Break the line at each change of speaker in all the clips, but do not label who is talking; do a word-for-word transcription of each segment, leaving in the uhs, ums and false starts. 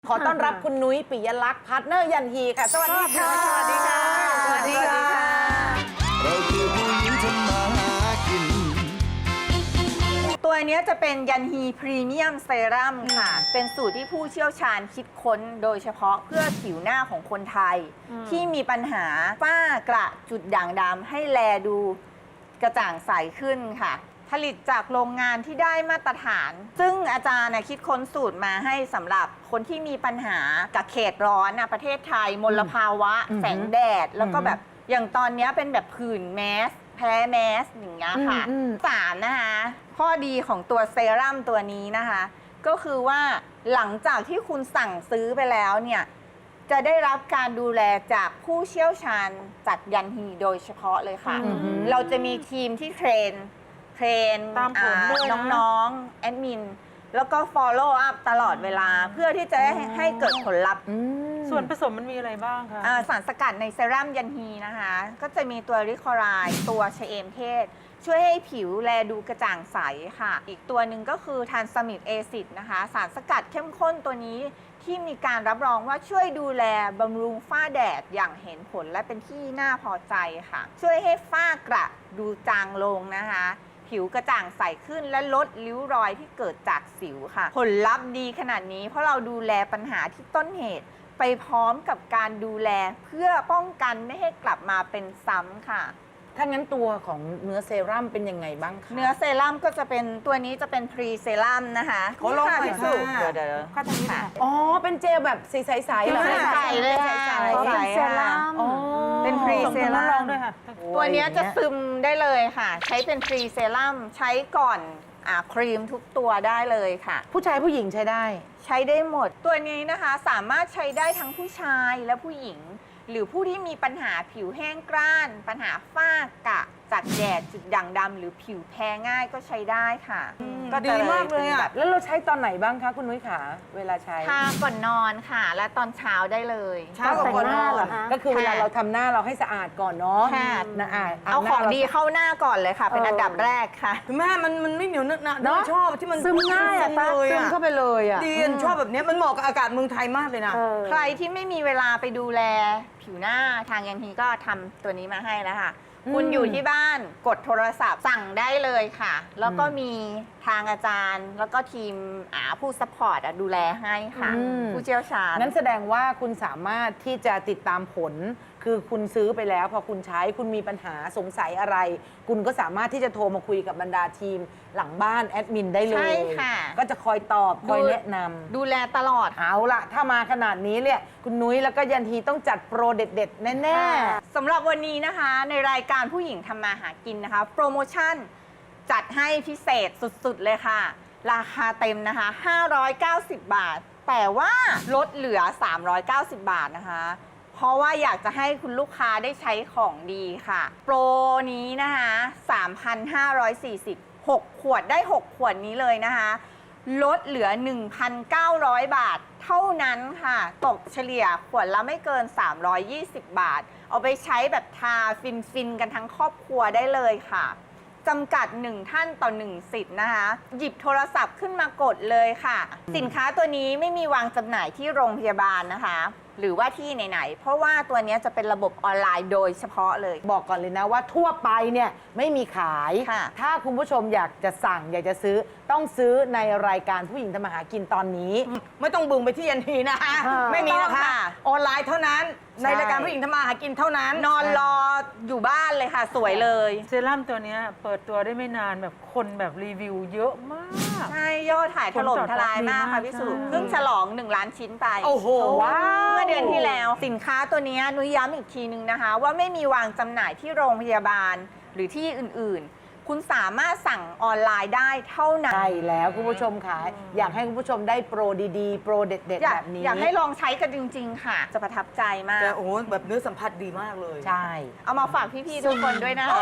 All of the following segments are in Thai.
ขอต้อนรับคุณนุ้ยปิยลักษณ์พาร์ทเนอร์ยันฮีค่ะสวัสดีค่ะสวัสดีค่ะสวัสดีค่ะเราคือผู้หญิงทำมาหากินตัวนี้จะเป็นยันฮีพรีเมียมเซรั่มค่ะเป็นสูตรที่ผู้เชี่ยวชาญคิดค้นโดยเฉพาะเพื่อผิวหน้าของคนไทยที่มีปัญหาฝ้ากระจุดด่างดำให้แลดูกระจ่างใสขึ้นค่ะผลิตจากโรงงานที่ได้มาตรฐาน ซึ่งอาจารย์คิดค้นสูตรมาให้สำหรับคนที่มีปัญหากับเขตร้อนประเทศไทยมลภาวะแสงแดดแล้วก็แบบอย่างตอนนี้เป็นแบบผื่นแมสแพ้แมสอย่างเงี้ยค่ะสามนะคะข้อดีของตัวเซรั่มตัวนี้นะคะก็คือว่าหลังจากที่คุณสั่งซื้อไปแล้วเนี่ยจะได้รับการดูแลจากผู้เชี่ยวชาญจากยันฮีโดยเฉพาะเลยค่ะเราจะมีทีมที่เทรนเทรนน้องๆแอดมินแล้วก็ follow up ตลอดเวลาเพื่อที่จะให้ให้เกิดผลลัพธ์
ส่วนผสมมันมีอะไรบ้างคะ
สารสกัดในเซรั่มยันฮีนะคะก็จะมีตัวริคอไรด์ตัวชะเอมเทศช่วยให้ผิวแลดูกระจ่างใสค่ะอีกตัวหนึ่งก็คือทานซามิดเอซิดนะคะสารสกัดเข้มข้นตัวนี้ที่มีการรับรองว่าช่วยดูแลบำรุงฝ้าแดดอย่างเห็นผลและเป็นที่น่าพอใจค่ะช่วยให้ฝ้ากระดูจางลงนะคะผิวกระจ่างใสขึ้นและลดริ้วรอยที่เกิดจากสิวค่ะผลลัพธ์ดีขนาดนี้เพราะเราดูแลปัญหาที่ต้นเหตุไปพร้อมกับการดูแลเพื่อป้องกันไม่ให้กลับมาเป็นซ้ำค่ะ
ถ้างั้นตัวของเนื้อเซรั่มเป็นยังไงบ้างคะ
เนื้อเซรั่มก็จะเป็นตัวนี้จะเป็นพรีเซรั่มนะคะ
ขอลองหน่อยค่ะ
เดี๋ยวเดี๋ยว
ข้าทางนี้ค่ะ
อ๋อเป็นเจลแบบใสๆๆเหรอ
ใสๆเลยค่ะใสๆเซรั่มเป็นพรีเซรั่ม
ด้วยค่ะ
ตัวนี้จะซึมได้เลยค่ะใช้เป็นพรีเซรั่มใช้ก่อนครีมทุกตัวได้เลยค่ะ
ผู้ชายผู้หญิงใช้ได้
ใช้ได้หมดตัวนี้นะคะสามารถใช้ได้ทั้งผู้ชายและผู้หญิงหรือผู้ที่มีปัญหาผิวแห้งกร้านปัญหาฝ้ากระจากแดดจุดด่างดำหรือผิวแพ้ง่ายก็ใช้ได้ค่ะ
ก็ดีมากเลยอ่ะแล้วเราใช้ตอนไหนบ้างคะคุณนุ้ยขาเวลาใช้
ทาก่อนนอนค่ะและตอนเช้าได้เลย
เช้าก่อนนอนเหรอคะก็คือเวลาเราทำหน้าเราให้สะอาดก่อนเนาะ
นะเอาของดีเข้าหน้าก่อนเลยค่ะเป็นอันดับแรกค่ะ
แม่มันมันไม่เหนียวเนอะนะชอบที่มัน
ซึมง่ายอะซึมเข้าไปเลยอะ
ดีชอบแบบนี้มันเหมาะกับอากาศเมืองไทยมากเลยนะ
ใครที่ไม่มีเวลาไปดูแลผิวหน้าทางยันฮีก็ทำตัวนี้มาให้แล้วค่ะคุณอยู่ที่บ้านกดโทรศัพท์สั่งได้เลยค่ะแล้วก็มีทางอาจารย์แล้วก็ทีมผู้ซัพพอร์ตดูแลให้ค่ะผู้เชี่ยวชาญ
นั้นแสดงว่าคุณสามารถที่จะติดตามผลคือคุณซื้อไปแล้วพอคุณใช้คุณมีปัญหาสงสัยอะไรคุณก็สามารถที่จะโทรมาคุยกับบรรดาทีมหลังบ้านแอดมินได้เลย
ใช่ค่ะ
ก็จะคอยตอบคอยแนะนำ
ดูแลตลอด
เอาละถ้ามาขนาดนี้เนี่ยคุณนุ้ยแล้วก็ยันทีต้องจัดโปรเด็ดๆแน่
ๆสำหรับวันนี้นะคะในรายการผู้หญิงทำมาหากินนะคะโปรโมชั่นจัดให้พิเศษสุดๆเลยค่ะราคาเต็มนะคะห้าร้อยเก้าสิบบาทแต่ว่าลดเหลือสามร้อยเก้าสิบบาทนะคะเพราะว่าอยากจะให้คุณลูกค้าได้ใช้ของดีค่ะโปรนี้นะคะ สามพันห้าร้อยสี่สิบ หกขวดได้หกขวดนี้เลยนะคะลดเหลือ หนึ่งพันเก้าร้อย บาทเท่านั้นค่ะตกเฉลี่ยขวดละไม่เกินสามร้อยยี่สิบบาทเอาไปใช้แบบทาฟินๆกันทั้งครอบครัวได้เลยค่ะจำกัดหนึ่งท่านต่อหนึ่งสิทธิ์นะคะหยิบโทรศัพท์ขึ้นมากดเลยค่ะสินค้าตัวนี้ไม่มีวางจำหน่ายที่โรงพยาบาลนะคะหรือว่าที่ไหนๆเพราะว่าตัวนี้จะเป็นระบบออนไลน์โดยเฉพาะเลย
บอกก่อนเลยนะว่าทั่วไปเนี่ยไม่มีขายถ้าคุณผู้ชมอยากจะสั่งอยากจะซื้อต้องซื้อในรายการผู้หญิงทำมาหากินตอนนี้
ไม่ต้องบึงไปที่ยันทีนะคะไม่มีนะคะออนไลน์เท่านั้นในรายการผู้หญิงทำมาหากินเท่านั้น
นอนรออยู่บ้านเลยค่ะสวยเลย
เซรั่มตัวนี้เปิดตัวได้ไม่นานแบบคนแบบรีวิวเยอะมาก
ใช่ยอดถ่ายถล่มทลายมากค่ะพี่สุเพิ่งฉลองหนึ่งล้านชิ้นไป
โอ้โห
ว้าวเมื่อเดือนที่แล้วสินค้าตัวนี้นุ้ยย้ำอีกทีนึงนะคะว่าไม่มีวางจำหน่ายที่โรงพยาบาลหรือที่อื่นๆคุณสามารถสั่งออนไลน์ได้เท่านั้น
ใช่แล้วคุณผู้ชมค่ะอยากให้คุณผู้ชมได้โปรดีๆโปรเด็ดๆแบบนี้
อยากให้ลองใช้กันจริงๆค่ะจะประทับใจมาก
แต่โอ้โหแบบเนื้อสัมผัสดีมากเลย
ใช่
เอามาฝากพี่ๆทุกคนด้วยนะคะ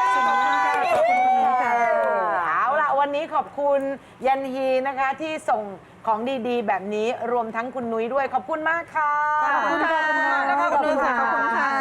เอาล่ะวันนี้ขอบคุณยันฮีนะคะที่ส่งของดีๆแบบนี้รวมทั้งคุณนุ้ยด้วยขอบคุณมากค่ะ
ขอบคุณค่ะขอบคุณค่ะ